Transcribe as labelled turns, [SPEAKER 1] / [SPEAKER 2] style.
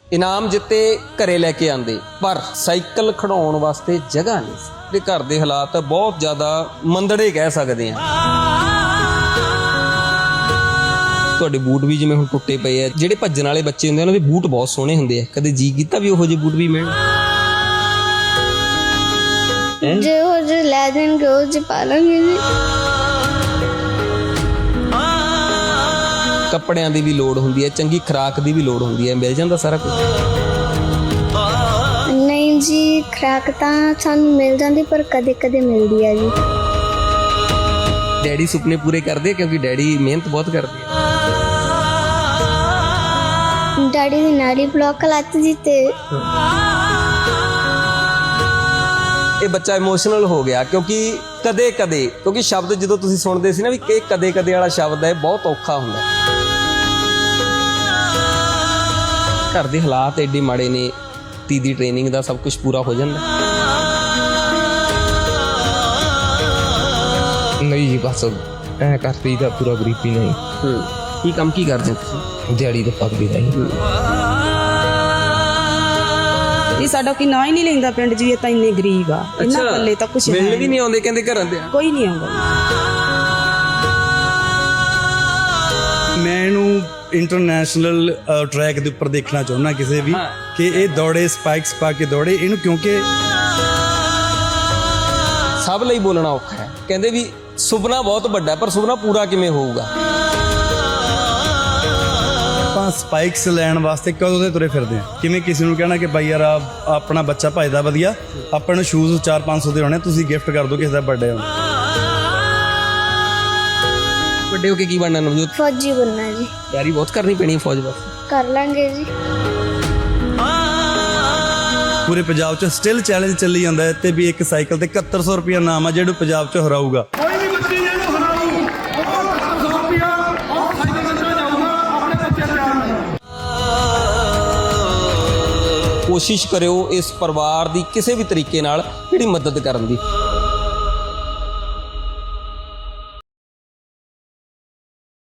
[SPEAKER 1] ਇਨਾਮ ਜਿੱਤੇ ਘਰੇ ਲੈ ਕੇ ਆਂਦੇ, ਪਰ ਸਾਈਕਲ ਖੜਾਉਣ ਵਾਸਤੇ ਜਗ੍ਹਾ ਨਹੀਂ ਸੀ। ਤੇ ਘਰ ਦੇ ਹਾਲਾਤ ਬਹੁਤ ਜ਼ਿਆਦਾ ਮੰਦੜੇ ਕਹਿ ਸਕਦੇ ਆ। ਤੁਹਾਡੇ ਬੂਟ ਵੀ ਜਿਵੇਂ ਹੁਣ ਟੁੱਟੇ ਪਏ ਆ। ਜਿਹੜੇ ਭੱਜਣ ਵਾਲੇ ਬੱਚੇ ਹੁੰਦੇ ਉਹਨਾਂ ਦੇ ਬੂਟ ਬਹੁਤ ਸੋਹਣੇ ਹੁੰਦੇ ਆ। ਕਦੇ ਜੀ ਕੀਤਾ ਵੀ ਉਹੋ ਜਿਹੇ ਬੂਟ ਵੀ ਮਿਲਣ?
[SPEAKER 2] ਜਿਹੋ ਜਿਹੇ ਲੈ ਦੇਣਗੇ ਉਹ ਜਿਹੇ ਪਾ ਲਾਂਗੇ ਜੀ।
[SPEAKER 1] ਕੱਪੜਿਆਂ ਦੀ ਵੀ ਲੋੜ ਹੁੰਦੀ ਹੈ, ਚੰਗੀ ਖੁਰਾਕ ਦੀ ਵੀ ਲੋੜ ਹੁੰਦੀ ਹੈ। ਮਿਲ ਜਾਂਦਾ ਸਾਰਾ ਕੁਝ?
[SPEAKER 2] ਨਹੀਂ ਜੀ, ਖੁਰਾਕ ਤਾਂ ਸਾਨੂੰ ਮਿਲ ਜਾਂਦੀ ਪਰ ਕਦੇ ਕਦੇ ਮਿਲਦੀ ਆ ਜੀ।
[SPEAKER 1] ਡੈਡੀ ਸੁਪਨੇ ਪੂਰੇ ਕਰਦੇ ਕਿਉਂਕਿ ਡੈਡੀ ਮਿਹਨਤ ਬਹੁਤ ਕਰਦੇ ਆ।
[SPEAKER 2] ਡੈਡੀ ਦੀ ਨਾੜੀ ਬਲੌਕ ਲੱਤ ਜੀ ਤੇ
[SPEAKER 1] ਇਹ ਬੱਚਾ ਇਮੋਸ਼ਨਲ ਹੋ ਗਿਆ ਕਿਉਂਕਿ ਕਦੇ ਕਦੇ, ਕਿਉਂਕਿ ਸ਼ਬਦ ਜਦੋਂ ਤੁਸੀਂ ਸੁਣਦੇ ਸੀ ਨਾ ਵੀ ਇਹ ਕਦੇ ਕਦੇ ਵਾਲਾ ਸ਼ਬਦ ਹੈ, ਬਹੁਤ ਔਖਾ ਹੁੰਦਾ। ਘਰ ਦੇ ਹਾਲਾਤ ਐਡੇ ਮਾੜੇ ਨੇ, ਧੀ ਦੀ ਟ੍ਰੇਨਿੰਗ ਦਾ ਸਭ ਕੁਝ ਪੂਰਾ ਹੋ ਜਾਂਦਾ?
[SPEAKER 3] ਨਹੀਂ ਜੀ, ਬਸ ਐ ਕਰਦੀ ਦਾ ਪੂਰਾ ਗਰੀਬੀ ਨਹੀਂ।
[SPEAKER 1] ਕੀ ਕੰਮ ਕੀ ਕਰਦੇ ਤੁਸੀਂ?
[SPEAKER 3] ਦਿਹਾੜੀ ਤਾਂ ਪੱਕਦੀ ਨਹੀਂ।
[SPEAKER 4] ਇਹ ਸਾਡਾ ਕੋਈ ਨਾਂ ਹੀ ਨਹੀਂ ਲੈਂਦਾ ਪਿੰਡ 'ਚ ਵੀ, ਇਹ ਤਾਂ ਇੰਨੇ ਗਰੀਬ ਆ। ਇਹਨਾਂ ਪੱਲੇ ਤਾਂ ਕੁਛ
[SPEAKER 1] ਮਿਲਣ ਵੀ ਨਹੀਂ ਆਉਂਦੇ ਕਹਿੰਦੇ ਘਰਾਂ ਦੇ?
[SPEAKER 4] ਕੋਈ ਨਹੀਂ ਆਉਂਦਾ।
[SPEAKER 5] ਮੈਂ ਇਹਨੂੰ ਇੰਟਰਨੈਸ਼ਨਲ ਟਰੈਕ ਦੇ ਉੱਪਰ ਦੇਖਣਾ ਚਾਹੁੰਦਾ ਕਿਸੇ ਵੀ ਕਿ ਇਹ ਦੌੜੇ, ਸਪਾਈਕਸ ਪਾ ਕੇ ਦੌੜੇ ਇਹਨੂੰ, ਕਿਉਂਕਿ
[SPEAKER 1] ਸਭ ਲਈ ਬੋਲਣਾ ਔਖਾ ਹੈ। ਕਹਿੰਦੇ ਵੀ ਸੁਪਨਾ ਬਹੁਤ ਵੱਡਾ, ਪਰ ਸੁਪਨਾ ਪੂਰਾ ਕਿਵੇਂ ਹੋਊਗਾ?
[SPEAKER 5] ਆਪਾਂ ਸਪਾਈਕਸ ਲੈਣ ਵਾਸਤੇ ਕਦੋਂ ਦੇ ਤੁਰੇ ਫਿਰਦੇ ਆ। ਕਿਵੇਂ ਕਿਸੇ ਨੂੰ ਕਹਿਣਾ ਕਿ ਬਾਈ ਯਾਰ ਆਪਣਾ ਬੱਚਾ ਭੱਜਦਾ ਵਧੀਆ, ਆਪਾਂ ਨੂੰ ਸ਼ੂਜ਼ 400-500 ਦੇ ਹੋਣੇ, ਤੁਸੀਂ ਗਿਫਟ ਕਰ ਦਿਓ ਕਿਸੇ ਦਾ ਬਰਥਡੇ ਹੋਣਾ।
[SPEAKER 1] ਵੱਡੇ ਹੋ ਕੇ ਕੀ ਬਣਨਾ ਨਵਜੋਤ?
[SPEAKER 2] ਫੌਜੀ ਬਣਨਾ ਜੀ।
[SPEAKER 1] ਤਿਆਰੀ ਬਹੁਤ ਕਰਨੀ ਪੈਣੀ ਹੈ ਫੌਜ ਵਾਸਤੇ।
[SPEAKER 2] ਕਰ ਲਾਂਗੇ ਜੀ।
[SPEAKER 5] ਪੂਰੇ ਪੰਜਾਬ 'ਚ ਸਟਿਲ ਚੈਲੰਜ ਚੱਲੀ ਜਾਂਦਾ ਹੈ ਤੇ ਵੀ ਇੱਕ ਸਾਈਕਲ ਤੇ 7100 ਰੁਪਇਆ ਨਾਮ ਆ ਜਿਹੜਾ ਪੰਜਾਬ 'ਚ ਹਰਾਊਗਾ।
[SPEAKER 6] ਕੋਈ ਵੀ ਬੱਚੇ ਜਿਹਨੂੰ ਹਰਾਊ ਉਹ 7100 ਰੁਪਇਆ ਉਹ ਸਾਈਕਲ ਕੱਢਣਾ ਜਾਊਗਾ ਆਪਣੇ ਬੱਚੇ ਤਿਆਰ।
[SPEAKER 1] ਕੋਸ਼ਿਸ਼ ਕਰਿਓ ਇਸ ਪਰਿਵਾਰ ਦੀ ਕਿਸੇ ਵੀ ਤਰੀਕੇ ਨਾਲ ਜਿਹੜੀ ਮਦਦ ਕਰਨ ਦੀ।